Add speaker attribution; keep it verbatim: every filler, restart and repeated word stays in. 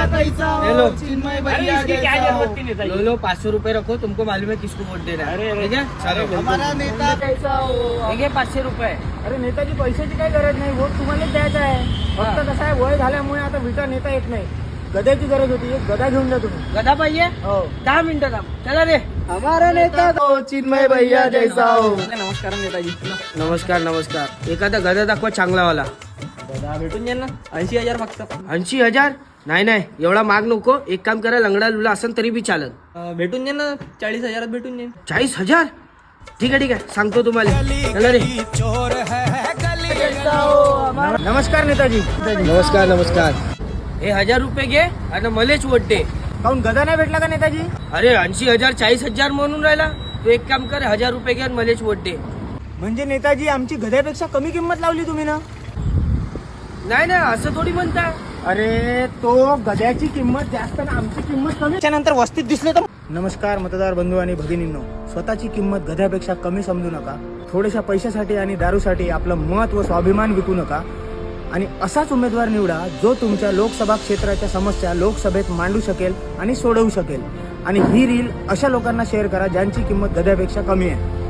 Speaker 1: कैसा हो,
Speaker 2: हेलो।
Speaker 1: चिन्मय
Speaker 3: अरे
Speaker 1: भैया
Speaker 3: इसकी क्या
Speaker 1: जैसा हो।
Speaker 3: जरूरत थी नेताजी?
Speaker 2: लो लो पाँच सौ रुपए रखो, तुमको मालूम है किसको वोट देना है।
Speaker 3: अरे, अरे।
Speaker 2: ठीक है चलो
Speaker 1: हमारा नेता कैसा हो।
Speaker 2: ठीक है पाचशे रुपये.
Speaker 3: अरे नेताजी पैशाची काही गरज नाही, वोट तुम्हालाच द्यायचा आहे. फक्त कसं आहे वय झाल्यामुळे आता विटा नेता येत नाही. गद्याची गरज होती, एक गदा घेऊन जा तुम्ही.
Speaker 2: गदा पाहिजे.
Speaker 3: हो
Speaker 2: दहा मिनिटं थांब. चला रे.
Speaker 1: हमारा नेता हो, चिन्मय भैया जैसा हो.
Speaker 3: नमस्कार नेताजी.
Speaker 2: नमस्कार नमस्कार. एखादा गदा दाखवा चांगलावाला.
Speaker 3: गदा भेटून जाईल ना, ऐंशी हजार फक्त.
Speaker 2: ऐंशी हजार नाही नाही एवढा माग नको. एक काम करा, लंगडा लुला असेल तरी बी चालत.
Speaker 3: अं, भेटून जाईल ना, चाळीस हजारात भेटून जाईल.
Speaker 2: चाळीस हजार ठीक आहे ठीक आहे सांगतो तुम्हाला. चला रे.
Speaker 3: नमस्कार नेताजी.
Speaker 2: नमस्कार नमस्कार. हे हजार रुपये घे आणि मलेच वोट दे.
Speaker 3: काहून गदा नाही भेटला का नेताजी?
Speaker 2: अरे ऐंशी हजार चाळीस हजार म्हणून राहिला. तू एक काम कर, हजार रुपये घे आणि मलेच वोट दे.
Speaker 3: म्हणजे नेताजी आमची गद्यापेक्षा कमी किंमत लावली तुम्ही ना?
Speaker 2: नाही नाही असं थोडी म्हणता.
Speaker 3: अरे तो गद्याची किंमत जास्त ना आमची किंमत कमी. त्याच्यानंतर वस्तीत दिसले तर. नमस्कार मतदार बंधू आणि भगिनींनो, स्वतःची किंमत गद्यापेक्षा कमी समजू नका. थोड्याशा पैशासाठी आणि दारूसाठी आपलं मत व स्वाभिमान विकू नका आणि असाच उमेदवार निवडा जो तुमच्या लोकसभा क्षेत्राच्या समस्या लोकसभेत मांडू शकेल आणि सोडवू शकेल. आणि ही रील अशा लोकांना शेअर करा ज्यांची किंमत गद्यापेक्षा कमी आहे.